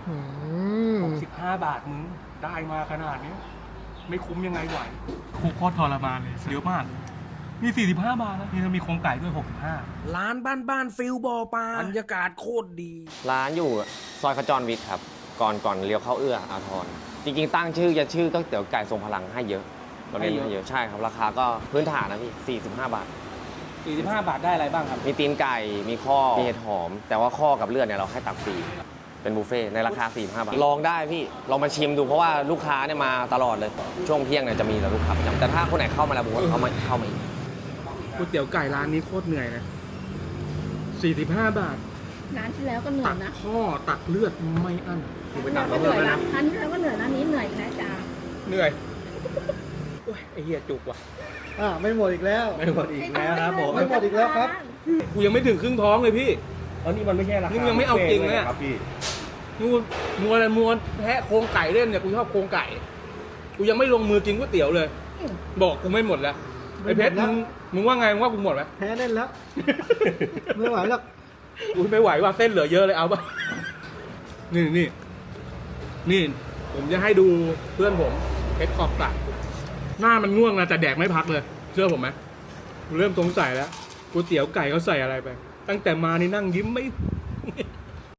65 บาทมึงได้มาขนาดนี้ไม่คุ้มยังไงไหวโคตรทรมานเลยเยอะมากนี่45 บาทนะนี่จะมีโครงไก่ด้วย65 ร้านบ้านฟิลบอปลาบรรยากาศโคตรดีร้านอยู่ซอยขจรวิทย์ครับก่อนเลี้ยวเข้าเอื้ออาทรจริงๆตั้งชื่อก๋วยเตี๋ยวไก่ทรงพลังให้เยอะตอนนี้ให้เยอะใช่ครับราคาก็พื้นฐานนะพี่45 บาท 45 บาทได้อะไรบ้างครับมีตีนไก่มีข้อมีเห็ดหอมแต่ว่าข้อกับเลือดเนี่ยเราให้ตักฟรีเป็นบุฟเฟ่ในราคา45 บาทลองได้พี่ลองมาชิมดูเพราะว่าลูกค้าเนี่ยมาตลอดเลยช่วงเที่ยงเนี่ยจะมีแต่ลูกค้าประจำแต่ถ้าคนไหนเข้ามาแล้วผมว่าเขามาอีกก๋วยเตี๋ยวไก่ร้านนี้โคตรเหนื่อยนะ45 บาทร้านที่แล้วก็เหนื่อยนะข้อตักเลือดไม่อั้นไปตักก็เหนื่อยนะร้านที่แล้วก็เหนื่อยนะนี้เหนื่อยแค่จ้าเหนื่อยโอ้ยไอ้เหี้ยจุกว่ะไม่หมดอีกแล้วไม่หมดอีกแล้วครับผมไม่หมดอีกแล้วครับกูยังไม่ถึงครึ่งท้องเลยพี่นี่มันไม่ใช่ราคายังไม่เอาจริงเลยครับพี่มัวแพะโครงไก่เล่นเนี่ยกูชอบโครงไก่กูยังไม่ลงมือกินก๋วยเตี๋ยวเลยบอกกูไม่หมดแล้วไอ้เพชรมึงว่าไงมึงว่ากูหมดไหมแพ้เล่นแล้วไม่ไหวหรอกกูไม่ไหวว่าเส้นเหลือเยอะเลยเอาป่ะนี่ผมจะให้ดูเพื่อนผมเพชรขอบตัดหน้ามันง่วงนะแต่แดกไม่พักเลยเชื่อผมไหมกูเริ่มสงสัยแล้วก๋วยเตี๋ยวไก่เขาใส่อะไรไปตั้งแต่มานี่นั่งยิ้มไม่